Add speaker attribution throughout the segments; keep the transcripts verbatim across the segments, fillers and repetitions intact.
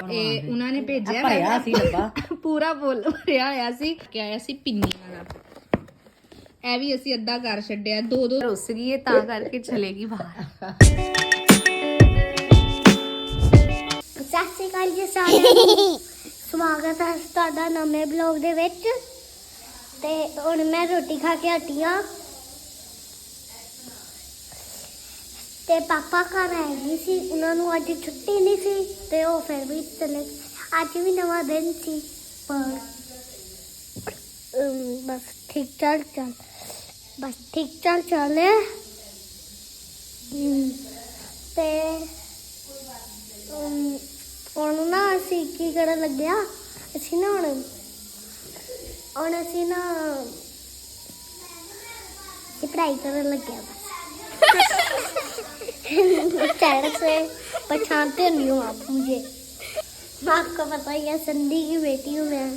Speaker 1: ਇਹ ਉਹਨਾਂ ਨੇ ਭੇਜਿਆ
Speaker 2: ਭਰਿਆ ਸੀ ਡੱਬਾ
Speaker 1: ਪੂਰਾ ਫੁੱਲ ਭਰਿਆ ਹੋਇਆ ਸੀ ਕਿ ਆਇਆ ਸੀ ਪਿੰਨੀ ਵਾਲਾ। ਇਹ ਵੀ ਅਸੀਂ ਅੱਧਾ ਕਰ ਛੱਡਿਆ, ਦੋ ਦੋ ਰੁੱਸ ਗਈ ਤਾਂ ਕਰਕੇ ਚਲੇਗੀ ਬਾਹਰ।
Speaker 3: ਸਤਿ ਸ਼੍ਰੀ ਅਕਾਲ ਜੀ ਸਾਰਿਆਂ ਨੂੰ, ਸਵਾਗਤ ਹੈ ਤੁਹਾਡਾ ਨਵੇਂ ਬਲੌਗ ਦੇ ਵਿੱਚ। ਤੇ ਹੁਣ ਮੈਂ ਰੋਟੀ ਖਾ ਕੇ ਹਟੀ ਹਾਂ ਤੇ ਪਾਪਾ ਘਰ ਆਏ ਨਹੀਂ ਸੀ, ਉਹਨਾਂ ਨੂੰ ਅੱਜ ਛੁੱਟੀ ਨਹੀਂ ਸੀ ਤੇ ਉਹ ਫਿਰ ਵੀ ਚਲੇ। ਅੱਜ ਵੀ ਨਵਾਂ ਦਿਨ ਸੀ ਪਰ ਅਮ, ਬਸ ਠੀਕ ਚੱਲ ਚੱਲ ਬਸ ਠੀਕ ਚੱਲ ਚੱਲੇ ਤੇ ਅਮ, ਹੁਣ ਨਾ ਅਸੀਂ ਕੀ ਕਰਨ ਲੱਗਿਆ, ਅਸੀਂ ਨਾ ਹੁਣ ਹੁਣ ਅਸੀਂ ਨਾ ये पढ़ाई करने लग गया बस। चैनल से पहचानते नहीं हो आप मुझे, आपको पता ही है संधी की बेटी हूँ मैं।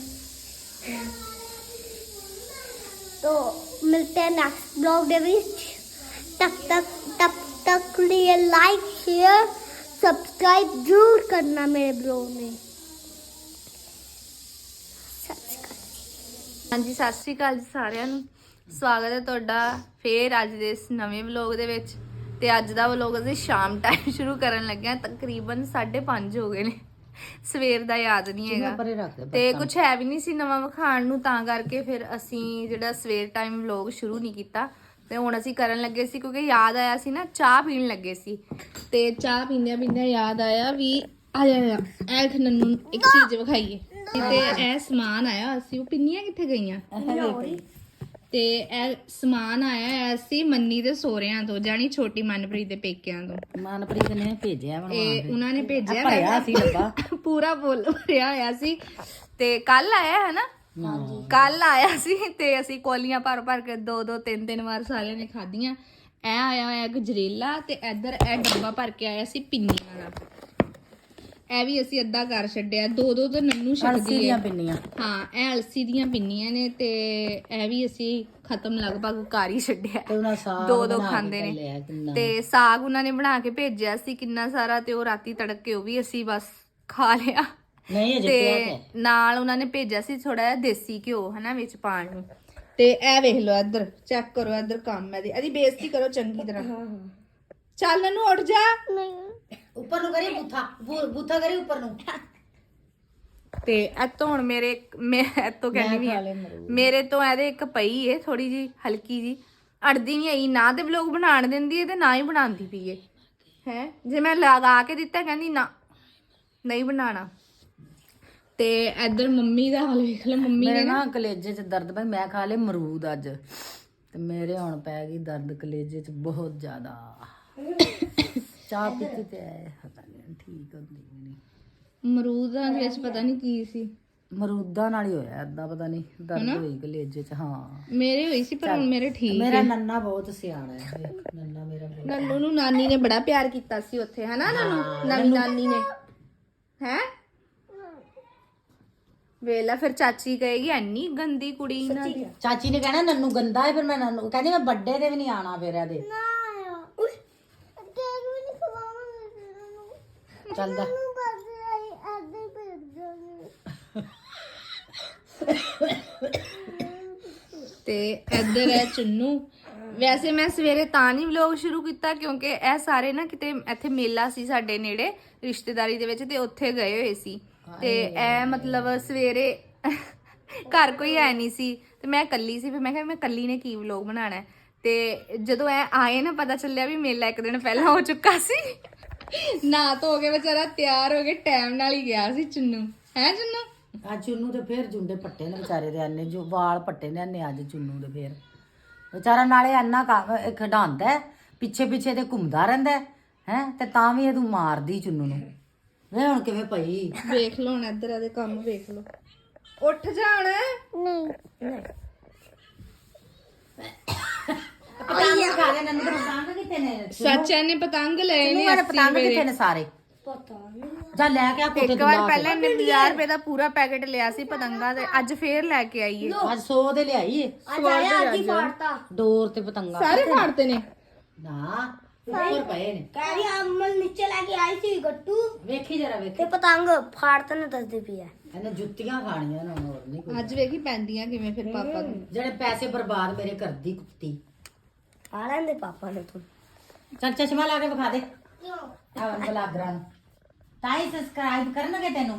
Speaker 3: तो मिलते हैं नेक्स्ट ब्लॉग के बीच, तब तक तब तक लिए लाइक शेयर सब्सक्राइब जरूर करना मेरे ब्लॉग में।
Speaker 1: ਹਾਂਜੀ ਸਤਿ ਸ਼੍ਰੀ ਅਕਾਲ ਜੀ ਸਾਰਿਆਂ ਨੂੰ, ਸਵਾਗਤ ਹੈ ਤੁਹਾਡਾ ਫੇਰ ਅੱਜ ਦੇ ਇਸ ਨਵੇਂ ਵਲੌਗ ਦੇ ਵਿੱਚ। ਤੇ ਅੱਜ ਦਾ ਵਲੌਗ ਅਸੀਂ ਸ਼ਾਮ ਟਾਈਮ ਸ਼ੁਰੂ ਕਰਨ ਲੱਗੇ ਹਾਂ, ਤਕਰੀਬਨ ਸਾਢੇ ਪੰਜ ਹੋ ਗਏ ਨੇ, ਸਵੇਰ ਦਾ ਯਾਦ ਨਹੀਂ ਹੈਗਾ ਤੇ ਕੁਝ ਹੈ ਵੀ ਨਹੀਂ ਸੀ ਨਵਾਂ ਵਿਖਾਣ ਨੂੰ, ਤਾਂ ਕਰਕੇ ਫਿਰ ਅਸੀਂ ਜਿਹੜਾ ਸਵੇਰ ਟਾਈਮ ਵਲੌਗ ਸ਼ੁਰੂ ਨਹੀਂ ਕੀਤਾ। ਤੇ ਹੁਣ ਅਸੀਂ ਕਰਨ ਲੱਗੇ ਸੀ ਕਿਉਂਕਿ ਯਾਦ ਆਇਆ ਸੀ ਨਾ, ਚਾਹ ਪੀਣ ਲੱਗੇ ਸੀ ਤੇ ਚਾਹ ਪੀਂਦਿਆਂ ਪੀਂਦਿਆਂ ਯਾਦ ਆਇਆ ਵੀ ਆ ਜਾ ਐਖ ਨੰਨੂ ਇੱਕ ਚੀਜ਼ ਵਿਖਾਈਏ। ਤੇ ਇਹ ਸਮਾਨ ਆਇਆ ਅਸੀਂ, ਉਹ ਪਿੰਨੀਆਂ ਕਿੱਥੇ ਗਈਆਂ? ਤੇ ਇਹ ਸਮਾਨ ਆਇਆ ਸੀ ਮੰਨੀ ਦੇ ਸੋਹਰਿਆਂ ਤੋਂ, ਜਾਨੀ ਛੋਟੀ ਮਨਪ੍ਰੀਤ ਦੇ ਪੇਕਿਆਂ ਤੋਂ।
Speaker 2: ਮਨਪ੍ਰੀਤ ਨੇ ਭੇਜਿਆ
Speaker 1: ਇਹ ਉਹਨਾਂ ਨੇ ਭੇਜਿਆ,
Speaker 2: ਭਰਿਆ ਸੀ ਡੱਬਾ
Speaker 1: ਪੂਰਾ ਫੁੱਲ ਭਰਿਆ ਹੋਇਆ ਸੀ। ਤੇ ਕੱਲ ਆਇਆ ਹੈ ਨਾ, ਕੱਲ ਆਇਆ ਸੀ ਤੇ ਅਸੀਂ ਕੋਲੀਆਂ ਭਰ ਭਰ ਕੇ ਦੋ ਦੋ ਤਿੰਨ ਤਿੰਨ ਵਾਰ ਸਾਰਿਆਂ ਨੇ ਖਾਧੀਆਂ। ਇਹ ਆਇਆ ਹੋਇਆ ਗਜਰੇਲਾ ਤੇ ਇੱਧਰ ਇਹ ਡੱਬਾ ਭਰ ਕੇ ਆਇਆ ਸੀ ਪਿੰਨੀ ਵਾਲਾ। ਇਹ ਵੀ ਅਸੀਂ ਅੱਧਾ ਕਰ ਛੱਡਿਆ, ਦੋ ਦੋ ਤਾਂ ਨੰਨੂ ਛੱਡਦੀ ਹੈ।
Speaker 2: ਪਿੰਨੀਆਂ
Speaker 1: ਹਾਂ ਇਹ ਅਲਸੀ ਦੀਆਂ ਪਿੰਨੀਆਂ ਨੇ ਤੇ ਇਹ ਵੀ ਅਸੀਂ ਖਤਮ ਲਗਭਗ ਕਰ ਹੀ ਛੱਡਿਆ, ਦੋ ਦੋ ਖਾਂਦੇ ਨੇ। ਤੇ ਸਾਗ ਉਹਨਾਂ ਨੇ ਬਣਾ ਕੇ ਭੇਜਿਆ ਸੀ ਕਿੰਨਾ ਸਾਰਾ, ਤੇ ਉਹ ਰਾਤੀ ਤੜਕ ਕੇ ਉਹ ਵੀ ਅਸੀਂ ਬਸ ਖਾ ਲਿਆ। ਤੇ ਨਾਲ ਉਹਨਾਂ ਨੇ ਭੇਜਿਆ ਸੀ ਥੋੜਾ ਜਿਹਾ ਦੇਸੀ ਘਿਓ ਹਨਾ ਵਿੱਚ ਪਾਣ ਨੂੰ। ਤੇ ਇਹ ਵੇਖ ਲਓ ਇੱਧਰ, ਚੈੱਕ ਕਰੋ ਇੱਧਰ ਕੰਮ ਇਹਦੀ, ਇਹਦੀ ਬੇਇੱਜ਼ਤੀ ਕਰੋ ਚੰਗੀ ਤਰ੍ਹਾਂ। ਚੱਲ ਨੰਨੂ ਉੱਠ ਜਾ,
Speaker 2: ਉੱਪਰ ਨੂੰ ਕਰੀ ਬੂਥਾ ਬੂਥਾ ਕਰੀ ਉੱਪਰ ਨੂੰ।
Speaker 1: ਤੇ ਇਤੋਂ ਹੁਣ ਮੇਰੇ ਮੈਂ ਇਤੋਂ ਕਹਿੰਦੀ ਵੀ ਮੇਰੇ ਤੋਂ ਇਹਦੇ ਇੱਕ ਪਈ ਏ ਥੋੜੀ ਜੀ ਹਲਕੀ ਜੀ, ਅੜਦੀ ਨਹੀਂ ਆਈ ਨਾ, ਤੇ ਵਲੋਗ ਬਣਾਉਣ ਦਿੰਦੀ ਏ ਤੇ ਨਾ ਹੀ ਬਣਾਉਂਦੀ ਪਈ ਏ ਹੈ। ਜੇ ਮੈਂ ਲਗਾ ਕੇ ਦਿੱਤਾ ਕਹਿੰਦੀ ਨਾ ਨਹੀਂ ਬਣਾਉਣਾ। ਤੇ ਇੱਧਰ ਮੰਮੀ ਦਾ ਹਾਲ ਵੇਖ ਲਓ, ਮੰਮੀ ਨੇ
Speaker 2: ਨਾ ਕਲੇਜੇ 'ਚ ਦਰਦ ਪਈ, ਮੈਂ ਖਾ ਲਏ ਅਮਰੂਦ ਅੱਜ ਤੇ ਮੇਰੇ ਹੁਣ ਪੈ ਗਈ ਦਰਦ ਕਲੇਜੇ 'ਚ ਬਹੁਤ ਜ਼ਿਆਦਾ। ਚਾਹ ਪੀਤੀ ਤੇ ਪਤਾ ਨਹੀਂ ਠੀਕ ਹੁੰਦੀ ਨਹੀਂ।
Speaker 1: ਅਮਰੂਦਾਂ ਦੇ ਵਿੱਚ ਪਤਾ ਨਹੀਂ ਕੀ ਸੀ,
Speaker 2: ਅਮਰੂਦਾਂ ਨਾਲ ਹੀ ਹੋਇਆ ਏਦਾਂ, ਪਤਾ ਨਹੀਂ ਦਰਦ ਹੋਈ ਕਲੇਜੇ 'ਚ। ਹਾਂ
Speaker 1: ਮੇਰੇ ਹੋਈ ਸੀ ਪਰ ਹੁਣ ਮੇਰੇ ਠੀਕ।
Speaker 2: ਮੇਰਾ ਨੰਨਾ ਬਹੁਤ ਸਿਆਣਾ ਹੈ, ਨੰਨਾ ਮੇਰਾ।
Speaker 1: ਨੰਨੂ ਨੂੰ ਨਾਨੀ ਨੇ ਬੜਾ ਪਿਆਰ ਕੀਤਾ ਸੀ ਉੱਥੇ ਹਨਾ, ਨੰਨੂ ਨਵੀਂ ਨਾਨੀ ਨੇ ਹੈ। ਵੇਲਾ ਫਿਰ ਚਾਚੀ ਕਹੇਗੀ ਐਨੀ ਗੰਦੀ ਕੁੜੀ ਇਹਨਾਂ ਦੀ।
Speaker 2: ਚਾਚੀ ਨੇ ਕਹਿਣਾ ਨੰਨੂ ਗੰਦਾ ਹੈ, ਫਿਰ ਮੈਂ ਨੰਨੂ ਕਹਿੰਦੀ ਮੈਂ ਵੱਡੇ ਤੇ ਵੀ ਨਹੀਂ ਆਣਾ ਫਿਰ ਇਹਦੇ। ਚੱਲਦਾ
Speaker 1: ਤੇ ਇੱਧਰ ਹੈ ਚੁੰਨੂ। ਵੈਸੇ ਮੈਂ ਸਵੇਰੇ ਤਾਂ ਨਹੀਂ ਵਲੌਗ ਸ਼ੁਰੂ ਕੀਤਾ ਕਿਉਂਕਿ ਇਹ ਸਾਰੇ ਨਾ ਕਿਤੇ ਇੱਥੇ ਮੇਲਾ ਸੀ ਸਾਡੇ ਨੇੜੇ ਰਿਸ਼ਤੇਦਾਰੀ ਦੇ ਵਿੱਚ, ਤੇ ਉੱਥੇ ਗਏ ਹੋਏ ਸੀ। ਤੇ ਇਹ ਮਤਲਬ ਸਵੇਰੇ ਘਰ ਕੋਈ ਹੈ ਨਹੀਂ ਸੀ ਤੇ ਮੈਂ ਇਕੱਲੀ ਸੀ, ਫਿਰ ਮੈਂ ਕਿਹਾ ਮੈਂ ਇਕੱਲੀ ਨੇ ਕੀ ਵਲੌਗ ਬਣਾਉਣਾ। ਤੇ ਜਦੋਂ ਇਹ ਆਏ ਨਾ ਪਤਾ ਚੱਲਿਆ ਵੀ ਮੇਲਾ ਇੱਕ ਦਿਨ ਪਹਿਲਾਂ ਹੋ ਚੁੱਕਾ ਸੀ। ਨਾ ਧੋ ਕੇ ਵਿਚਾਰਾ ਤਿਆਰ ਹੋ ਕੇ ਟਾਈਮ ਨਾਲ ਹੀ ਗਿਆ ਸੀ ਚੁੰਨੂ, ਹੈ ਚੁੰਨੂ?
Speaker 2: ਅੱਜ ਚੁੰਨੂ ਤੇ ਫੇਰ ਜੁੰਡੇ ਪੱਟੇ ਨੇ ਵਿਚਾਰੇ ਦੇ, ਆਨੇ ਜੋ ਵਾਲ ਪੱਟੇ ਨੇ ਆਨੇ ਅੱਜ ਚੁੰਨੂ ਦੇ। ਫੇਰ ਵਿਚਾਰਾ ਨਾਲੇ ਇੰਨਾ ਖਿਡਾਉਂਦਾ ਪਿੱਛੇ ਪਿੱਛੇ ਤੇ ਘੁੰਮਦਾ ਰਹਿੰਦਾ ਹੈ, ਤੇ ਤਾਂ ਵੀ ਇਹ ਤੂੰ ਮਾਰਦੀ ਚੁੰਨੂ ਨੂੰ। ਵੇ ਹੁਣ ਕਿਵੇਂ ਪਈ
Speaker 1: ਵੇਖ ਲਓ, ਹੁਣ ਇੱਧਰ ਇਹਦੇ ਕੰਮ ਵੇਖ ਲਓ। ਉੱਠ ਜਾਣ।
Speaker 3: नहीं
Speaker 2: ਪਤੰਗ ਖਾ ਲੈ ਨੰਨੂ ਦੇ। ਪਤੰਗ ਕਿੱਥੇ ਨੇ?
Speaker 1: ਸੱਚਾ ਨੇ ਪਤੰਗ ਲਏ ਨੇ,
Speaker 2: ਮੇਰੇ ਪਤੰਗ ਕਿੱਥੇ ਨੇ ਸਾਰੇ?
Speaker 3: पता नहीं।
Speaker 2: ਜਾ ਲੈ ਕੇ ਆ ਕੁੱਤੇ
Speaker 1: ਇੱਕ ਵਾਰ ਪਹਿਲਾਂ ਇਹਨੇ ਪੰਜਾਹ ਰੁਪਏ ਦਾ ਪੂਰਾ ਪੈਕੇਟ ਲਿਆ ਸੀ ਪਤੰਗਾਂ ਦੇ, ਅੱਜ ਫੇਰ ਲੈ ਕੇ ਆਈਏ।
Speaker 2: ਅੱਜ ਸੌ ਦੇ ਲਿਆਈ ਏ
Speaker 3: आज आया आज ही फाड़ता।
Speaker 2: ਡੋਰ ਤੇ ਪਤੰਗਾ
Speaker 1: ਸਾਰੇ ਫਾੜਤੇ ਨੇ
Speaker 2: ਨਾ। ਉੱਪਰ ਪਏ ਨੇ
Speaker 3: ਕਹਿ ਰਹੀ ਅਮਲ ਨੀਚੇ ਲੈ ਕੇ ਆਈ ਸੀ ਗੱਟੂ
Speaker 2: ਵੇਖੀ ਜਰਾ ਵੇਖੀ
Speaker 3: ਤੇ ਪਤੰਗ ਫਾੜ ਤਾਂ ਨਹੀਂ ਦੱਸਦੀ ਪਈ ਹੈ
Speaker 2: ਇਹਨੇ ਜੁੱਤੀਆਂ ਖਾਣੀਆਂ ਨੇ ਹੋਰ ਨਹੀਂ ਕੋਈ
Speaker 1: ਅੱਜ ਵੇਖੀ ਪੈਂਦੀਆਂ ਕਿਵੇਂ ਫਿਰ ਪਾਪਾ ਨੂੰ।
Speaker 2: ਜਿਹੜੇ ਪੈਸੇ ਬਰਬਾਦ ਮੇਰੇ ਕਰਦੀ ਕੁੱਤੀ
Speaker 3: ਆ ਲੈਂਦੇ ਪਾਪਾ ਨੇ ਤੂੰ
Speaker 2: ਚੱਲ ਚਸ਼ਮਾ ਲਾ ਕੇ ਵਿਖਾ ਦੇ ਆ ਬਲਾਗਰਾਂ ਨੂੰ ਤਾਂ ਹੀ ਸਬਸਕ੍ਰਾਈਬ ਕਰਨਗੇ ਤੈਨੂੰ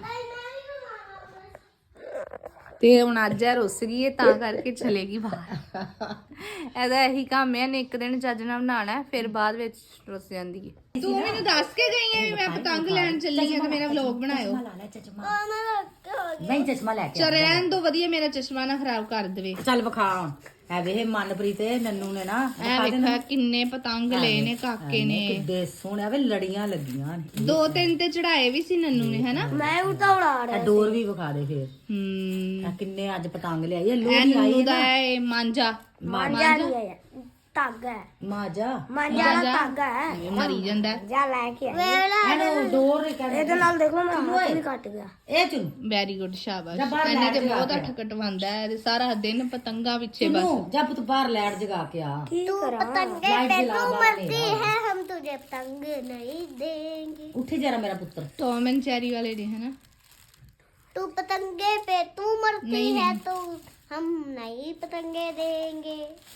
Speaker 1: ਤੇ ਹੁਣ ਅੱਜ ਇਹ ਰੁੱਸ ਗਈ ਹੈ ਤਾਂ ਕਰਕੇ ਚਲੇਗੀ ਬਾਹਰ। ਇਹਦਾ ਇਹੀ ਕੰਮ ਹੈ, ਨੇ ਇੱਕ ਦਿਨ ਚੱਜ ਨਾਲ ਬਣਾਉਣਾ ਹੈ, ਫਿਰ ਬਾਅਦ ਵਿੱਚ ਰੁੱਸ ਜਾਂਦੀ ਹੈ। ਤੂੰ ਮੈਨੂੰ ਦੱਸ ਕੇ ਗਈ ਹੈ ਵੀ ਮੈਂ ਪਤੰਗ ਲੈਣ ਚੱਲੀ ਹਾਂ ਤੇ ਮੇਰਾ ਵਲੌਗ ਬਣਾਇਓ।
Speaker 2: ਲਾ ਲੈ ਚਸ਼ਮਾ ਨਹੀਂ ਚਸ਼ਮਾ ਲੈ ਕੇ
Speaker 1: ਚਲ ਰਹਿਣ ਤੋਂ ਵਧੀਆ ਮੇਰਾ ਚਸ਼ਮਾ ਨਾ ਖਰਾਬ ਕਰ ਦੇਵੇ।
Speaker 2: ਚੱਲ ਵਿਖਾ ਹੁਣ ਐ ਵੇ ਮਨਪ੍ਰੀਤ ਤੇ ਨੰਨੂ ਨੇ ਨਾ
Speaker 1: ਐ ਵੇਖਾ ਕਿੰਨੇ ਪਤੰਗ ਲਏ ਨੇ ਕਾਕੇ ਨੇ।
Speaker 2: ਕਿੱਡੇ ਸੋਹਣੇ ਵੇ ਲੜੀਆਂ ਲੱਗੀਆਂ ਨੇ
Speaker 1: ਦੋ ਤਿੰਨ ਤੇ ਚੜਾਏ ਵੀ ਸੀ ਨੰਨੂ ਨੇ ਹਨਾ।
Speaker 3: ਮੈਂ ਉਲਟਾ ਉਡਾ
Speaker 2: ਇਹ ਡੋਰ ਵੀ ਵਿਖਾ ਦੇ ਫੇਰ
Speaker 1: ਹੂੰ
Speaker 2: ਆ ਕਿੰਨੇ ਅੱਜ ਪਤੰਗ ਲਿਆਈ ਇਹ
Speaker 1: ਐ
Speaker 2: ਲੋਹੜੀ ਆਈ
Speaker 1: ਨੰਨੂ
Speaker 2: ਹੈ
Speaker 1: ਦਾ
Speaker 2: ਨਾ
Speaker 1: ਹੈ ਮਾਂਜਾ।
Speaker 3: ਮਾਂਜਾ ਨਹੀਂ ਹੈ ਧਾਗਾ ਹੈ
Speaker 2: ਮਾਜਾ
Speaker 3: ਮਾਂਜਾ ਦਾ ਧਾਗਾ ਹੈ
Speaker 1: ਇਹ ਮਰੀ ਜਾਂਦਾ
Speaker 3: ਜਾ ਲੈ ਕੇ ਆਈ
Speaker 2: ਇਹਨੂੰ ਡੋਰ ਹੀ ਕਹਿੰਦੇ
Speaker 3: ਇਹਦੇ ਨਾਲ ਦੇਖ ਲਓ ਮੇਰਾ ਹੱਥ ਵੀ ਕੱਟ ਗਿਆ
Speaker 2: ਇਹ ਚੁਣ
Speaker 1: ਵੈਰੀ ਗੁੱਡ ਸ਼ਾਬਾਸ਼।
Speaker 2: ਜਾ ਬਾਹਰ
Speaker 1: ਇਹਨੇ ਤੇ
Speaker 2: ਲੈ
Speaker 1: ਬਹੁਤ
Speaker 2: ਜਾ
Speaker 1: ਅੱਠ ਕਟਵਾਉਂਦਾ ਹੈ ਤੇ ਸਾਰਾ ਦਿਨ ਪਤੰਗਾ ਪਿੱਛੇ ਬਸ।
Speaker 2: ਤੂੰ ਜਾ ਪੁੱਤ ਬਾਹਰ ਲਾਈਟ ਜਗਾ ਕੇ ਆ
Speaker 3: तू पतंगे
Speaker 2: लाइट
Speaker 3: पे
Speaker 2: जला
Speaker 3: तू
Speaker 2: बाहर
Speaker 3: मरती
Speaker 2: नहीं
Speaker 3: है हम तुझे पतंग नहीं देंगे
Speaker 2: ਉੱਠੀ ਜਰਾ ਮੇਰਾ ਪੁੱਤਰ
Speaker 1: ਟੌਮ ਐਂਡ ਚੈਰੀ ਵਾਲੇ ਨੇ ਹਨਾ।
Speaker 3: तू पतंगे पे तू मरती
Speaker 1: नहीं,
Speaker 3: है
Speaker 1: नहीं।
Speaker 3: तो हम नहीं पतंगे देंगे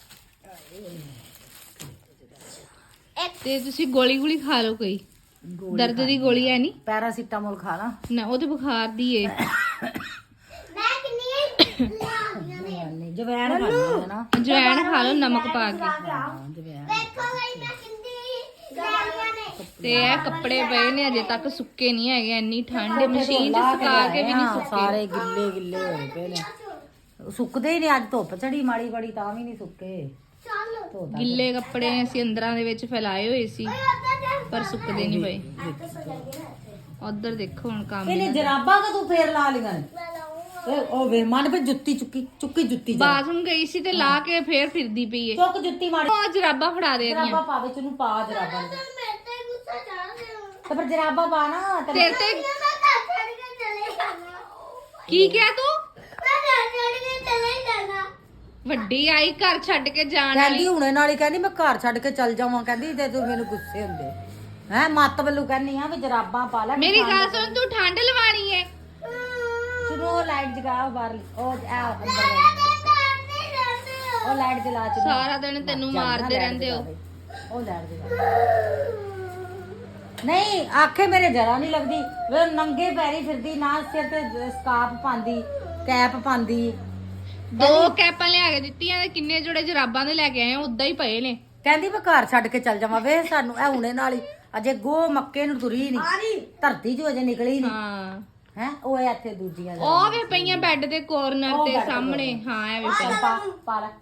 Speaker 3: एक
Speaker 1: ਤੇ ਤੁਸੀਂ ਗੋਲੀ ਗੋਲੀ ਖਾ ਲਓ ਕੋਈ। ਦਰਦ ਦੀ ਗੋਲੀ ਹੈ ਨਹੀਂ
Speaker 2: ਪੈਰਾਸੀਟਾਮੋਲ ਖਾ ਲਾ
Speaker 1: ਨਾ, ਉਹ ਤੇ ਬੁਖਾਰ ਦੀ ਏ।
Speaker 3: मैं कितनी लागियां ने
Speaker 2: ਨਹੀਂ ਜਵੈਣ ਖਾਣੀ ਹੈ ਨਾ
Speaker 1: ਜਵੈਣ ਖਾ ਲਓ ਨਮਕ ਪਾ ਕੇ।
Speaker 2: ਹਾਂ, ਜਵੈਣ
Speaker 3: देखो गई मैं कितनी लागियां ने
Speaker 1: ਤੇ ਇਹ ਕੱਪੜੇ ਪਏ ਨੇ ਅਜੇ ਤੱਕ ਸੁੱਕੇ ਨਹੀਂ ਹੈਗੇ, ਇੰਨੀ ਠੰਡ ਹੈ, ਮਸ਼ੀਨ 'ਚ ਸੁਕਾ ਕੇ ਵੀ ਨਹੀਂ ਸੁੱਕੇ।
Speaker 2: ਸਾਰੇ ਗਿੱਲੇ ਗਿੱਲੇ ਹੋਏ ਪਏ ਨੇ ਸੁੱਕਦੇ ਹੀ ਨਹੀਂ ਅੱਜ ਧੁੱਪ ਚੜੀ ਮਾੜੀ ਬੜੀ ਤਾਂ ਵੀ ਨਹੀਂ ਸੁੱਕੇ
Speaker 3: चलो
Speaker 2: ਧੋਤਾ
Speaker 1: ਗਿੱਲੇ ਕੱਪੜੇ ਅਸੀਂ ਅੰਦਰਾਂ ਦੇ ਵਿੱਚ ਫੈਲਾਏ ਹੋਏ ਸੀ ਪਰ ਸੁੱਕਦੇ ਨਹੀਂ ਪਏ। ਉਧਰ ਦੇਖੋ ਹੁਣ ਕੰਮ
Speaker 2: ਇਹਨੇ ਜਰਾਬਾਂ ਕਾ ਤੂੰ ਫੇਰ ਲਾ ਲੀਆਂ ਨੇ ਇਹ ਉਹ ਵੇ ਮਨ ਪੇ ਜੁੱਤੀ ਚੁੱਕੀ ਚੁੱਕੀ ਜੁੱਤੀ ਜਾ
Speaker 1: ਬਾਥਰੂਮ ਗਈ ਸੀ ਤੇ ਲਾ ਕੇ ਫੇਰ ਫਿਰਦੀ ਪਈ ਏ।
Speaker 2: ਚੁੱਕ ਜੁੱਤੀ ਮਾੜੀ
Speaker 1: ਉਹ ਜਰਾਬਾਂ ਫੜਾ ਦੇ
Speaker 2: ਜਰਾਬਾਂ
Speaker 1: ਰਹੀਆਂ
Speaker 2: ਪਾ ਵਿੱਚ ਨੂੰ ਪਾ ਜਰਾਬਾਂ ਨੂੰ।
Speaker 3: मैं ते गुस्सा चढ़ गया
Speaker 2: ਤੇ ਫਿਰ ਜਰਾਬਾਂ ਪਾ ਨਾ ਤੇ
Speaker 1: ਤੇਰੇ ਤੇ
Speaker 3: मैं घर छोड़ के चले जाना
Speaker 1: ਕੀ ਕਿਹਾ ਤੂੰ?
Speaker 3: मैं घर छोड़ के चले जाना
Speaker 1: ਵੱਡੀ ਆਈ ਘਰ ਛੱਡ ਕੇ ਜਾਣ
Speaker 2: ਕਹਿੰਦੀ
Speaker 1: ਵਾਲੀ।
Speaker 2: ਹੁਣੇ ਨਾਲ ਹੀ ਕਹਿੰਦੀ ਮੈਂ ਘਰ ਛੱਡ ਕੇ ਚੱਲ ਜਾਵਾਂ ਕਹਿੰਦੀ ਤੇ ਤੂੰ ਮੈਨੂੰ ਗੁੱਸੇ ਹੁੰਦੇ ਹੈ ਮੱਤ ਵੱਲੋਂ ਕਹਿੰਦੀ ਆ ਵੀ ਜਰਾਬਾਂ ਪਾ ਲੈ
Speaker 1: ਮੇਰੀ ਗੱਲ ਸੁਣ, ਤੂੰ ਠੰਡ ਲਵਾਣੀ ਏ।
Speaker 2: ਸੁਣੋ ਲਾਈਟ ਜਗਾਓ ਬਾਹਰ ਉਹ ਆ ਅੰਦਰ ਉਹ ਲਾਈਟ ਜਲਾ ਚੁਣੋ
Speaker 1: ਸਾਰਾ ਦਿਨ ਤੈਨੂੰ ਮਾਰਦੇ ਰਹਿੰਦੇ ਹੋ।
Speaker 2: ਉਹ ਲਾਈਟ ਜਗਾ ਨਹੀਂ ਆਖੇ ਮੇਰੇ ਜਰਾ ਨਹੀਂ ਲੱਗਦੀ ਵੇ ਨੰਗੇ ਪੈਰੀ ਫਿਰਦੀ ਨਾ ਸਿਰ ਤੇ ਸਕਾਪ ਪਾਉਂਦੀ ਕੈਪ ਪਾਉਂਦੀ
Speaker 1: ਦੋ ਕੈਪਾਂ ਲਿਆ ਕੇ ਦਿੱਤੀਆਂ ਤੇ ਕਿੰਨੇ ਜੋੜੇ ਜਰਾਬਾਂ ਦੇ ਲੈ ਕੇ ਆਏ ਉਦਾਂ ਹੀ ਪਏ ਨੇ।
Speaker 2: ਕਹਿੰਦੀ ਮੈਂ ਘਰ ਛੱਡ ਕੇ ਚੱਲ ਜਾਵਾਂ ਵੇ ਸਾਨੂੰ ਇਹ ਹੁਣੇ ਨਾਲ ਹੀ ਅਜੇ ਗੋ ਮੱਕੇ ਨੂੰ ਤੁਰੀ ਨਹੀਂ ਧਰਤੀ ਚੋਂ ਅਜੇ ਨਿਕਲੀ ਨਹੀਂ
Speaker 1: ਹਾਂ
Speaker 2: ਹੈ ਉਹ ਇੱਥੇ ਦੂਜੀਆਂ
Speaker 1: ਉਹ ਵੇ ਪਈਆਂ ਬੈੱਡ ਦੇ ਕੋਰਨਰ
Speaker 2: ਉਹ
Speaker 1: ਤੇ
Speaker 2: ਬੈੱਡ ਦੇ
Speaker 1: ਸਾਹਮਣੇ। ਹਾਂ ਐ ਵੇ
Speaker 2: ਚੱਲ ਪਾ ਪਾ ਲੈ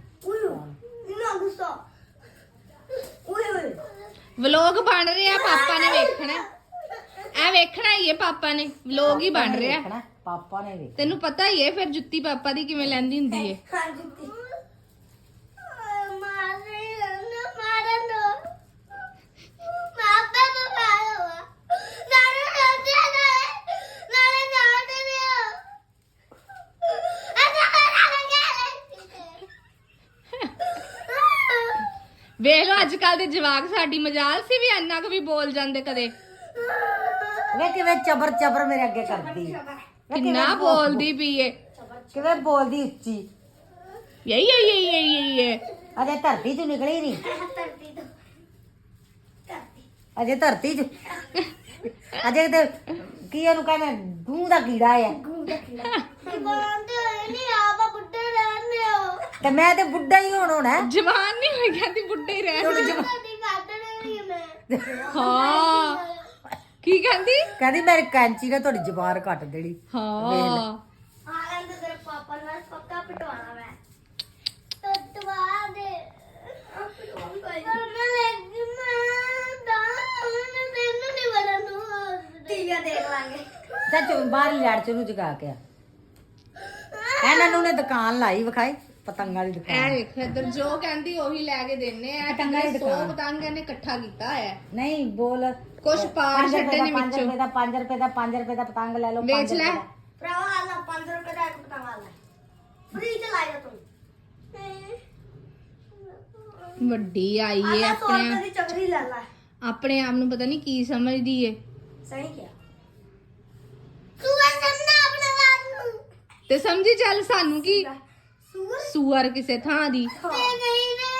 Speaker 1: ਵਲੋਗ ਬਣ ਰਿਹਾ, ਪਾਪਾ ਨੇ ਵੇਖਣਾ। ਐ ਵੇਖਣਾ ਹੀ ਏ ਪਾਪਾ ਨੇ, ਵਲੋਗ ਹੀ ਬਣ ਰਿਹਾ।
Speaker 2: ਦੇਖਣਾ, ਪਾਪਾ ਨੇ ਵੇਖ
Speaker 1: ਤੈਨੂੰ ਪਤਾ ਹੀ ਏ ਫਿਰ ਜੁੱਤੀ ਪਾਪਾ ਦੀ ਕਿਵੇਂ ਲੈਂਦੀ ਹੁੰਦੀ ਏ। ਵੇਖ ਲੋ ਅੱਜ ਕੱਲ ਦੇ ਜਵਾਕ ਸਾਡੀ ਮਜਾਲ ਸੀ ਵੀ ਇੰਨਾ ਕੁ ਵੀ ਬੋਲ ਜਾਂਦੇ ਕਦੇ।
Speaker 2: ਵੇ ਕਿਵੇਂ ਚਬਰ ਚਬਰ ਮੇਰੇ ਅੱਗੇ ਕਰਦੀ ਵੇ ਕਿਵੇਂ
Speaker 1: ਕਿੰਨਾ ਬੋਲਦੀ ਪਈ ਏ।
Speaker 2: ਕਿਵੇਂ ਬੋਲਦੀ ਉੱਚੀ
Speaker 1: ਯਈ ਯਈ ਯਈ ਯਈ ਯਈ
Speaker 2: ਅਜੇ ਧਰਤੀ ਚੋਂ ਨਿਕਲੀ ਨਹੀਂ ਅਜੇ ਧਰਤੀ ਚ ਅਜੇ ਤੇ ਕੀ ਇਹਨੂੰ ਕਹਿੰਦੇ ਗੂੰ ਦਾ ਕੀੜਾ ਆ ਤੇ ਮੈਂ ਤੇ ਬੁੱਢਾ ਹੀ ਹੁਣ ਹੋਣਾ
Speaker 1: ਜਵਾਨ ਨਹੀਂ ਹੋਈ ਕਹਿੰਦੀ ਬੁੱਢੇ ਹੀ ਰਹਿਣ। ਹਾਂ ਕੀ ਕਹਿੰਦੀ?
Speaker 2: ਕਹਿੰਦੀ ਮੇਰੀ ਕੈਂਚੀ ਨੇ ਤੁਹਾਡੀ ਜ਼ਬਾਨ ਕੱਟ ਦੇਣੀ
Speaker 1: ਹਾਂ
Speaker 3: ਪਾਪਾ ਨਾਲ ਪੱਕਾ ਪਟਵਾਣਾ ਮੈਂ ਪਟਵਾ ਦੇ ਮੈਂ ਲੱਗੀ ਮੈਂ ਦਾ ਮੈਂ ਤੈਨੂੰ ਨਹੀਂ ਬੜਾ ਨੂੰ ਟੀਵੀ ਦੇਖ ਲਾਂਗੇ
Speaker 2: ਸੱਚ ਬਾਹਰ ਲੜ ਚ ਨੂੰ ਜਗਾ ਕੇ ਆ ਇਹਨਾਂ ਨੂੰ ਨੇ ਦੁਕਾਨ ਲਾਈ ਵਿਖਾਈ ਪਤੰਗਾਂ ਦੀ
Speaker 1: ਐ
Speaker 2: ਦੁਕਾਨ
Speaker 1: ਵੇਖ ਇੱਧਰ ਜੋ ਕਹਿੰਦੀ ਉਹੀ ਲੈ ਕੇ ਦਿੰਨੇ ਆ।
Speaker 2: ਪਤੰਗਾਂ ਦੀ
Speaker 1: ਸੌ
Speaker 2: ਦੁਕਾਨ।
Speaker 1: ਪਤੰਗ ਇਹਨੇ ਇਕੱਠਾ ਕੀਤਾ ਹੋਇਆ।
Speaker 2: ਨਹੀਂ ਬੋਲ
Speaker 1: ਕੁਛ ਪਾਰ
Speaker 2: ਪੰਜ
Speaker 1: ਛੱਡੇ ਨੇ
Speaker 2: ਪੰਜ
Speaker 1: ਵਿੱਚੋਂ।
Speaker 2: ਰੁਪਏ ਦਾ ਪੰਜ ਰੁਪਏ ਦਾ ਪੰਜ ਰੁਪਏ ਦਾ ਪਤੰਗ ਲੈ ਲਓ
Speaker 1: ਵੇਚ
Speaker 2: ਪੰਜ
Speaker 1: ਲੈ।
Speaker 2: ਰੁਪਏ ਦਾ।
Speaker 3: ਭਰਾਵਾ ਆਲਾ ਪੰਜ ਰੁਪਏ ਦਾ ਇੱਕ ਪਤੰਗ ਆਲਾ ਫ੍ਰੀ ਚ ਲਾਇਆ ਤੂੰ
Speaker 1: ਵੱਡੀ ਆਈ ਏ ਆਪਣੇ
Speaker 3: ਚੱਕਰੀ ਲੈ ਲੈ
Speaker 1: ਆਪਣੇ ਆਪ ਨੂੰ ਪਤਾ ਨਹੀਂ ਕੀ ਸਮਝਦੀ ਏ।
Speaker 3: ਸਹੀ ਕਿਹਾ ਤੂੰ ਸਮਝਣਾ ਆਪਣੇ ਆਪ ਨੂੰ
Speaker 1: ਤੇ ਸਮਝੀ ਚੱਲ ਸਾਨੂੰ ਕੀ
Speaker 3: ਸੂਰ
Speaker 1: ਸੂਅਰ ਕਿਸੇ ਥਾਂ ਦੀ।
Speaker 3: ਤੇ ਗਈ ਨੇ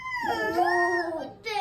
Speaker 3: ਤੇ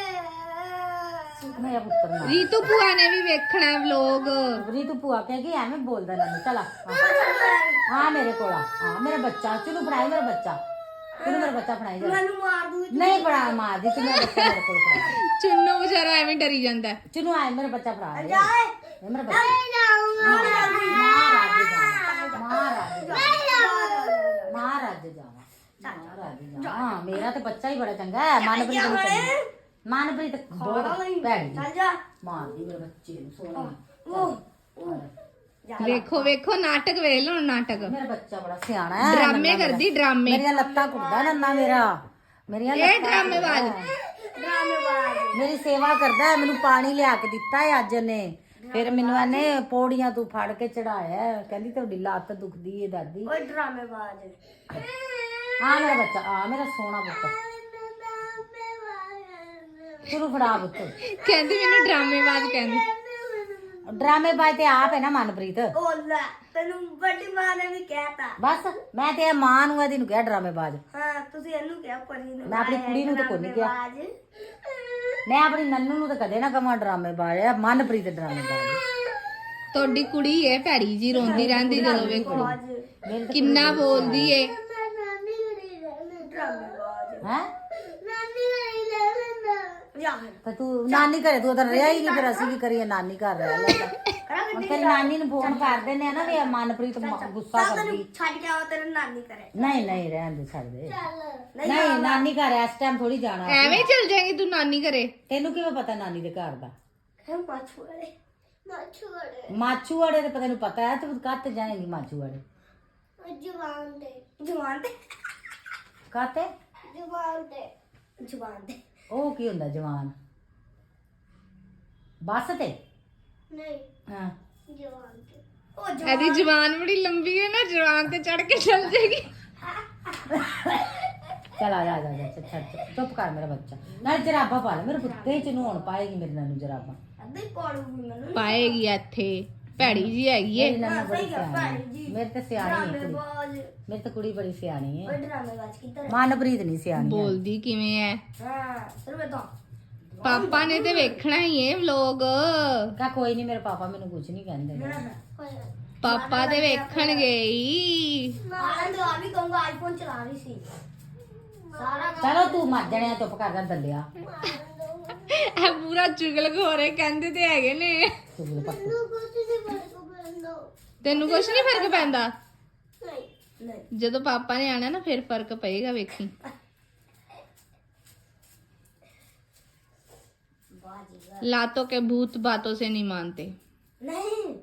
Speaker 2: ਮੇਰਾ ਪੁੱਤਰ ਨਾ
Speaker 1: ਰੀਤੂ ਭੂਆ ਨੇ ਵੀ ਵੇਖਣਾ ਵਲੋਗ।
Speaker 2: ਰੀਤੂ ਭੂਆ ਕਹੇਗੀ ਐਵੇਂ ਬੋਲਦਾ ਨਾ ਚਲਾ ਆ ਮੇਰੇ ਕੋਲ ਆ ਆ ਮੇਰਾ ਬੱਚਾ ਚਲੋ ਫੜਾਈ ਮੇਰਾ ਬੱਚਾ ਚਲੋ ਮੇਰਾ ਬੱਚਾ ਫੜਾਈ ਜਾ
Speaker 3: ਮੈਨੂੰ ਮਾਰ ਦੂ
Speaker 2: ਨਹੀਂ ਫੜਾ ਮਾਰ ਦੀ ਤੂੰ ਮੇਰਾ ਬੱਚਾ ਮੇਰੇ ਕੋਲ ਫੜਾ
Speaker 1: ਚੁੰਨੂ ਵਿਚਾਰਾ ਐਵੇਂ ਡਰੀ ਜਾਂਦਾ ਹੈ।
Speaker 2: ਚਲੋ ਆਏ ਮੇਰਾ ਬੱਚਾ ਫੜਾ ਦੇ
Speaker 3: ਜਾਏ
Speaker 2: ਇਹ ਮੇਰਾ ਬੱਚਾ
Speaker 3: ਨਹੀਂ ਜਾਊਂਗਾ
Speaker 2: ਮਹਾਰਾਜ ਜਾਵਾ ਮਹਾਰਾਜ ਜਾਵਾ ਮਹਾਰਾਜ ਜਾਵਾ ਮਹਾਰਾਜ ਜਾਵਾ ਹਾਂ ਮੇਰਾ ਤੇ ਬੱਚਾ ਹੀ ਬੜਾ ਚੰਗਾ ਹੈ ਮਨਪ੍ਰੀਤ ਨੂੰ ਚੰਗਾ ਮਨਪ੍ਰੀਤ ਬਹੁਤ ਭੈੜੀ
Speaker 3: ਚੱਲ ਜਾ
Speaker 2: ਮਾਰਦੀ ਮੇਰੇ ਬੱਚੇ ਨੂੰ ਸੋਹਣਾ
Speaker 3: ਉਹ
Speaker 1: ਵੇਖੋ ਵੇਖੋ ਨਾਟਕ ਵੇਖ ਲਓ ਨਾਟਕ।
Speaker 2: ਮੇਰਾ ਬੱਚਾ ਬੜਾ ਸਿਆਣਾ ਹੈ
Speaker 1: ਡਰਾਮੇ ਕਰਦੀ ਡਰਾਮੇ।
Speaker 2: ਮੇਰੀਆਂ ਲੱਤਾਂ ਘੁੱਟਦਾ ਨੰਨਾ ਮੇਰਾ ਮੇਰੀਆਂ
Speaker 1: ਇਹ ਡਰਾਮੇਬਾਜ਼।
Speaker 3: ਡਰਾਮੇਬਾਜ਼
Speaker 2: ਮੇਰੀ ਸੇਵਾ ਕਰਦਾ ਹੈ ਮੈਨੂੰ ਪਾਣੀ ਲਿਆ ਕੇ ਦਿੱਤਾ ਹੈ ਅੱਜ ਨੇ ਫਿਰ ਮੈਨੂੰ ਇਹਨੇ ਪੌੜੀਆਂ ਤੂੰ ਫੜ ਕੇ ਚੜਾਇਆ ਕਹਿੰਦੀ ਤੁਹਾਡੀ ਲੱਤ ਦੁਖਦੀ ਏ ਦਾਦੀ।
Speaker 3: ਓਏ ਡਰਾਮੇਬਾਜ਼
Speaker 2: ਆ ਮੇਰਾ ਬੱਚਾ ਆ ਮੇਰਾ ਸੋਹਣਾ ਪੁੱਤ ਤੂੰ ਫੜਾ ਪੁੱਤ
Speaker 1: ਕਹਿੰਦੀ ਮੈਨੂੰ ਡਰਾਮੇਬਾਜ਼ ਕਹਿੰਦੀ।
Speaker 2: ਡਰਾਮੇ ਬਾਜ ਤੇ ਆਪ ਹੈ ਨਾ ਮਨਪ੍ਰੀਤ
Speaker 3: ਉਹ ਲੈ ਤੈਨੂੰ ਵੱਡੀ ਮਾਂ ਨੇ ਵੀ ਕਹਿਤਾ
Speaker 2: ਬਸ ਮੈਂ ਤੇ ਇਹ ਮਾਂ ਨੂੰ ਇਹਦੀ ਨੂੰ ਕਿਹਾ ਡਰਾਮੇ ਬਾਜ
Speaker 3: ਹਾਂ ਤੁਸੀਂ ਇਹਨੂੰ ਕਿਹਾ ਪਰੀ ਨੂੰ
Speaker 2: ਮੈਂ ਆਪਣੀ ਕੁੜੀ ਨੂੰ ਤਾਂ ਕੋਈ ਨਹੀਂ ਕਿਹਾ
Speaker 3: ਡਰਾਮੇਬਾਜ਼।
Speaker 2: ਮੈਂ ਆਪਣੀ ਨੰਨੂ ਨੂੰ ਤਾਂ ਕਦੇ ਨਾ ਕਹਾਂ ਡਰਾਮੇ ਬਾਜ ਆ ਮਨਪ੍ਰੀਤ ਡਰਾਮੇ ਬਾਜ
Speaker 1: ਤੁਹਾਡੀ ਕੁੜੀ ਏ ਭੈੜੀ ਜੀ ਰੋਂਦੀ ਰਹਿੰਦੀ ਜਦੋਂ ਵੇਖੋ
Speaker 2: ਮੇਰੇ ਤੇ
Speaker 1: ਕਿੰਨਾ ਬੋਲਦੀ ਏ।
Speaker 3: ਨਾਨੀ ਘਰੇ ਰਹਿਣਾ ਡਰਾਮੇਬਾਜ਼
Speaker 2: ਹੈ
Speaker 3: ਨਾਨੀ ਘਰੇ ਰਹਿਣਾ ਯਾਰ
Speaker 2: ਤੇ ਤੂੰ ਨਾਨੀ ਘਰੇ ਤੂੰ ਤਾਂ ਰਿਹਾ ਹੀ ਨਹੀਂ ਫਿਰ ਅਸੀਂ ਕੀ ਕਰੀਏ ਨਾਨੀ ਘਰ ਰਹਿ ਲੈ ਹੁਣ ਤੇਰੀ ਨਾਨੀ ਨੂੰ ਫੋਨ ਕਰ ਦਿੰਦੇ ਆ ਨਾ ਵੀ ਇਹ ਮਨਪ੍ਰੀਤ ਮ- ਗੁੱਸਾ ਕਰਦੀ
Speaker 3: ਛੱਡ ਕੇ ਆਓ ਤੇਰੇ ਨਾਨੀ ਘਰੇ
Speaker 2: ਨਹੀਂ ਨਹੀਂ ਰਹਿਣ ਦੇ ਛੱਡ ਦੇ
Speaker 3: ਚੱਲ
Speaker 2: ਨਹੀਂ ਨਾਨੀ ਘਰ ਇਸ ਟਾਈਮ ਥੋੜੀ ਜਾਣਾ
Speaker 1: ਐਵੇਂ ਚਲ ਜਾਏਗੀ ਤੂੰ ਨਾਨੀ ਘਰੇ।
Speaker 2: ਤੈਨੂੰ ਕਿਵੇਂ ਪਤਾ ਨਾਨੀ ਦੇ ਘਰ ਦਾ
Speaker 3: ਹੈ ਮਾਛੂੜੇ ਮਾਛੂੜੇ
Speaker 2: ਮਾਛੂਵਾੜੇ ਤੇ ਪਤਾ ਨੂੰ ਪਤਾ ਹੈ ਤੂੰ ਕੱਤ ਜਾਏਗੀ ਮਾਛੂਵਾੜੇ
Speaker 3: ਜਵਾਨ ਦੇ ਜਵਾਨ ਦੇ
Speaker 2: ਕਾਤੇ
Speaker 3: ਜਵਾਨ ਦੇ ਜਵਾਨ ਦੇ
Speaker 2: ਉਹ ਕੀ ਹੁੰਦਾ ਜਵਾਨ ਬੱਸ ਤੇ
Speaker 3: ਨਹੀਂ
Speaker 2: ਹਾਂ
Speaker 3: ਜਵਾਨ ਦੇ ਉਹ
Speaker 1: ਇਹਦੀ ਜਵਾਨ ਬੜੀ ਲੰਬੀ ਹੈ ਨਾ ਜਵਾਨ ਤੇ ਚੜ ਕੇ ਚੱਲ ਜਾਏਗੀ।
Speaker 2: ਚਲ ਆ ਜਾ ਆ ਜਾ ਆ ਜਾ, ਛੱਡ ਛੱਡ, ਚੁੱਪ ਕਰ ਮੇਰਾ ਬੱਚਾ ਨਾਲ ਜਰਾਬਾ ਪਾ ਲੈ ਮੇਰੇ ਕੁੱਤੇ ਚ ਨੂੰ ਹੁਣ ਪਾਏਗੀ ਮੇਰੇ ਨਾਲ ਨੂੰ ਜਰਾਬਾ
Speaker 3: ਅੱਧੇ ਕੋੜੂਗੀ ਮੈਨੂੰ
Speaker 1: ਪਾਏਗੀ ਇੱਥੇ ਭੈੜੀ ਜੀ ਹੈਗੀ ਏ।
Speaker 2: ਮੇਰੀ ਨਾਨੀ ਬੜੀ
Speaker 3: ਸਹੀ ਗੱਲ,
Speaker 2: ਸਿਆਣੀ
Speaker 3: ਭੈੜੀ ਜੀ।
Speaker 2: ਮੇਰੇ ਤੇ ਸਿਆਣੀ ਹੈ ਕੁੜੀ
Speaker 3: ਡਰਾਮੇਬਾਜ਼
Speaker 2: ਮੇਰੀ ਤਾਂ ਕੁੜੀ ਬੜੀ ਸਿਆਣੀ
Speaker 3: ਓਏ
Speaker 2: ਹੈ
Speaker 3: ਡਰਾਮੇਬਾਜ਼ ਕਿੱਧਰ ਹੈ?
Speaker 2: ਮਨਪ੍ਰੀਤ ਨਹੀਂ ਸਿਆਣੀ ਹੈ।
Speaker 1: ਬੋਲਦੀ ਕਿਵੇਂ ਐ।
Speaker 3: ਹਾਂ ਸਰਵੇ ਤਾਂ
Speaker 1: ਪਾਪਾ ਨੇ ਤੇ ਵੇਖਣਾ ਹੀ ਏ ਵਲੋਗ।
Speaker 2: ਕਾ ਕੋਈ ਨਹੀਂ ਮੇਰੇ ਪਾਪਾ ਮੈਨੂੰ ਕੁਝ ਨਹੀਂ ਕਹਿੰਦੇ
Speaker 1: ਪਾਪਾ ਤੇ ਵੇਖਣਗੇ ਹੀ।
Speaker 3: ਆਨੰਦ ਆ ਵੀ ਕਹੂੰਗਾ ਆਈਫੋਨ ਚਲਾ ਰਹੀ ਸੀ ਸਾਰਾ
Speaker 2: ਚਲੋ ਤੂੰ ਮਰ ਜਾਣਿਆ ਚੁੱਪ ਕਰ ਜਾ ਦੱਲਿਆ
Speaker 1: ਇਹ ਪੂਰਾ ਚੁਗਲ ਖੋਰੇ ਕਹਿੰਦੇ ਤੇ ਹੈਗੇ ਨੇ।
Speaker 2: ਚੁਗਲ ਪੱਟ
Speaker 3: ਕੁਝ ਨਹੀਂ ਬਣ ਬੰਦੋ
Speaker 1: ਤੈਨੂੰ ਕੁਛ ਨਹੀਂ ਫਰਕ ਪੈਂਦਾ।
Speaker 3: ਨਹੀਂ ਨਹੀਂ
Speaker 1: ਜਦੋਂ ਪਾਪਾ ਨੇ ਆਣਾ ਨਾ ਫਿਰ ਫਰਕ ਪਏਗਾ ਵੇਖੀ। लातों के भूत बातों से नहीं मानते।
Speaker 3: ਨਹੀਂ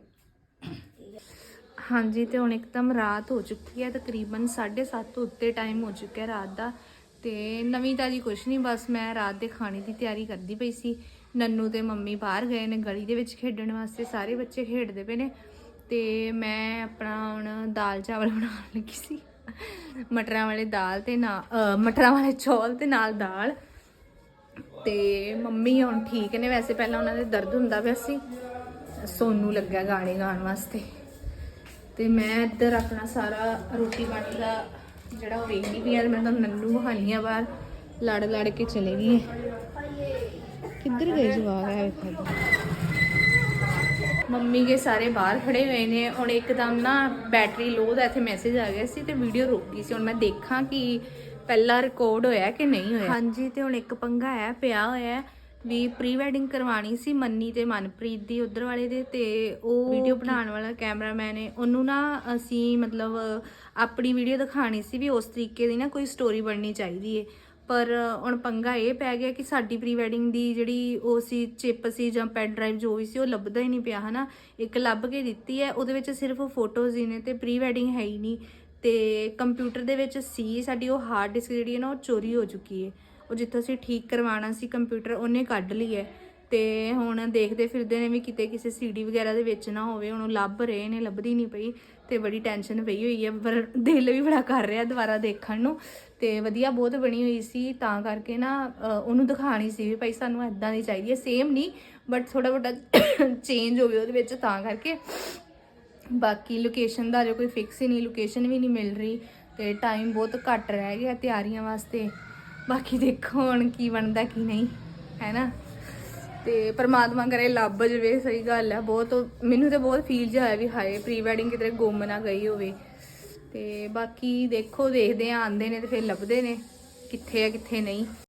Speaker 1: ਹਾਂਜੀ ਤੇ ਹੁਣ ਇੱਕਦਮ ਰਾਤ ਹੋ ਚੁੱਕੀ ਹੈ ਤਕਰੀਬਨ ਸਾਢੇ ਸੱਤ ਉੱਤੇ ਟਾਈਮ ਹੋ ਚੁੱਕਿਆ ਰਾਤ ਦਾ ਤੇ ਨਵੀਂ ਤਾਜੀ ਕੁਛ ਨਹੀਂ ਬਸ ਮੈਂ ਰਾਤ ਦੇ ਖਾਣੇ ਦੀ ਤਿਆਰੀ ਕਰਦੀ ਪਈ ਸੀ। ਨੰਨੂ ਤੇ ਮੰਮੀ ਬਾਹਰ ਗਏ ਨੇ ਗਲੀ ਦੇ ਵਿੱਚ ਖੇਡਣ ਵਾਸਤੇ ਸਾਰੇ ਬੱਚੇ ਖੇਡਦੇ ਪਏ ਨੇ ਤੇ ਮੈਂ ਆਪਣਾ ਹੁਣ ਦਾਲ ਚਾਵਲ ਬਣਾਉਣ ਲੱਗੀ ਸੀ ਮਟਰਾਂ ਵਾਲੇ ਦਾਲ ਤੇ ਨਾ ਅ, ਮਟਰਾਂ ਵਾਲੇ ਚੌਲ ਤੇ ਨਾਲ ਦਾਲ ਤੇ ਮੰਮੀ ਹੁਣ ਠੀਕ ਨੇ ਵੈਸੇ ਪਹਿਲਾਂ ਉਹਨਾਂ ਦੇ ਦਰਦ ਹੁੰਦਾ ਪਿਆ ਸੀ ਸੋਨੂ ਲੱਗਾ ਗਾਣੇ ਗਾਉਣ ਵਾਸਤੇ ਤੇ ਮੈਂ ਇੱਧਰ ਆਪਣਾ ਸਾਰਾ ਰੋਟੀ ਪਾਣੀ ਦਾ ਜਿਹੜਾ ਉਹ ਵੇਖਦੀ ਪਈ ਆ ਮੈਂ ਤਾਂ ਨੰਨੂ ਬਹਾਨੀ ਆ ਬਾਹਰ ਲੜ ਲੜ ਕੇ ਚਲੇ ਗਈ ਕਿੱਧਰ ਗਏ ਜਵਾਕ ਹੈ ਵੇਖੋ ਮੰਮੀ ਕੇ ਸਾਰੇ ਬਾਹਰ ਖੜੇ ਹੋਏ ਨੇ ਹੁਣ ਇੱਕਦਮ ਨਾ ਬੈਟਰੀ ਲੋ ਦਾ ਇੱਥੇ ਮੈਸੇਜ ਆ ਗਿਆ ਸੀ ਤੇ ਵੀਡੀਓ ਰੁਕ ਗਈ ਸੀ ਹੁਣ ਮੈਂ ਦੇਖਾਂ ਕਿ ਪਹਿਲਾ ਰਿਕਾਰਡ ਹੋਇਆ ਕਿ ਨਹੀਂ ਹੋਇਆ। ਹਾਂਜੀ ਤੇ ਹੁਣ ਇੱਕ ਪੰਗਾ ਹੈ ਪਿਆ ਹੋਇਆ ਵੀ ਪ੍ਰੀ ਵੈਡਿੰਗ ਕਰਵਾਣੀ ਸੀ ਮੰਨੀ ਤੇ ਮਨਪ੍ਰੀਤ ਦੀ ਉਧਰ ਵਾਲੇ ਦੇ ਤੇ ਉਹ ਵੀਡੀਓ ਬਣਾਉਣ ਵਾਲਾ ਕੈਮਰਾਮੈਨ ਹੈ ਉਹਨੂੰ ਨਾ ਅਸੀਂ ਮਤਲਬ ਆਪਣੀ ਵੀਡੀਓ ਦਿਖਾਣੀ ਸੀ ਵੀ ਉਸ ਤਰੀਕੇ ਦੀ ਨਾ ਕੋਈ ਸਟੋਰੀ ਬਣਨੀ ਚਾਹੀਦੀ ਹੈ ਪਰ ਹੁਣ ਪੰਗਾ ਇਹ ਪੈ ਗਿਆ ਕਿ ਸਾਡੀ ਪ੍ਰੀ ਵੈਡਿੰਗ ਦੀ ਜਿਹੜੀ ਉਹ ਸੀ ਚਿਪ ਸੀ ਜਾਂ ਪੈਨ ਡਰਾਈਵ ਜੋ ਵੀ ਸੀ ਉਹ ਲੱਭਦਾ ਹੀ ਨਹੀਂ ਪਿਆ ਹਨਾ ਇੱਕ ਲੱਭ ਕੇ ਦਿੱਤੀ ਹੈ ਉਹਦੇ ਵਿੱਚ ਸਿਰਫ ਫੋਟੋਜ਼ ਹੀ ਨੇ ਤੇ ਪ੍ਰੀ ਵੈਡਿੰਗ ਹੈ ਹੀ ਨਹੀਂ ਤੇ ਕੰਪਿਊਟਰ ਦੇ ਵਿੱਚ ਸੀ ਸਾਡੀ ਉਹ ਹਾਰਡ ਡਿਸਕ ਜਿਹੜੀ ਹੈ ਨਾ ਉਹ ਚੋਰੀ ਹੋ ਚੁੱਕੀ ਹੈ ਉਹ ਜਿੱਥੋਂ ਅਸੀਂ ਠੀਕ ਕਰਵਾਉਣਾ ਸੀ ਕੰਪਿਊਟਰ ਉਹਨੇ ਕੱਢ ਲਈ ਹੈ ਤੇ ਹੁਣ ਦੇਖਦੇ ਫਿਰਦੇ ਨੇ ਵੀ ਕਿਤੇ ਕਿਸੇ ਸੀਡੀ ਵਗੈਰਾ ਦੇ ਵਿੱਚ ਨਾ ਹੋਵੇ। ਹੁਣ ਲੱਭ ਰਹੇ ਨੇ, ਲੱਭਦੀ ਨਹੀਂ ਪਈ ਤੇ ਬੜੀ ਟੈਨਸ਼ਨ ਪਈ ਹੋਈ ਹੈ, ਪਰ ਦਿਲ ਵੀ ਬੜਾ ਕਰ ਰਿਹਾ ਦੁਬਾਰਾ ਦੇਖਣ ਨੂੰ। ਤੇ ਵਧੀਆ ਬਹੁਤ ਬਣੀ ਹੋਈ ਸੀ, ਤਾਂ ਕਰਕੇ ਨਾ ਉਹਨੂੰ ਦਿਖਾਣੀ ਸੀ ਵੀ ਭਾਈ ਸਾਨੂੰ ਇਦਾਂ ਦੀ ਚਾਹੀਦੀ ਹੈ, ਸੇਮ ਨਹੀਂ ਬਟ ਥੋੜਾ ਬਹੁਤਾ ਚੇਂਜ ਹੋਵੇ ਉਹਦੇ ਵਿੱਚ, ਤਾਂ ਕਰਕੇ। ਬਾਕੀ ਲੋਕੇਸ਼ਨ ਦਾ ਜੋ ਕੋਈ ਫਿਕਸ ਹੀ ਨਹੀਂ, ਲੋਕੇਸ਼ਨ ਵੀ ਨਹੀਂ ਮਿਲ ਰਹੀ ਤੇ ਟਾਈਮ ਬਹੁਤ ਘੱਟ ਰਹਿ ਗਿਆ ਤਿਆਰੀਆਂ ਵਾਸਤੇ। ਬਾਕੀ ਦੇਖੋ ਹੁਣ ਕੀ ਬਣਦਾ ਕੀ ਨਹੀਂ, ਹੈ ਨਾ। ਤੇ ਪਰਮਾਤਮਾ ਕਰੇ ਲੱਭ ਜਵੇ, ਸਹੀ ਗੱਲ ਹੈ। ਬਹੁਤ ਮੈਨੂੰ ਤਾਂ ਬਹੁਤ ਫੀਲ ਜਿਹਾ ਹੋਇਆ ਵੀ ਹਾਏ ਪ੍ਰੀ ਵੈਡਿੰਗ ਕਿਤੇ ਗੁੰਮ ਨਾ ਗਈ ਹੋਵੇ। ਤੇ ਬਾਕੀ ਦੇਖੋ ਦੇਖਦੇ ਆ, ਆਉਂਦੇ ਨੇ ਤੇ ਫਿਰ ਲੱਭਦੇ ਨੇ ਕਿੱਥੇ ਆ ਕਿੱਥੇ ਨਹੀਂ।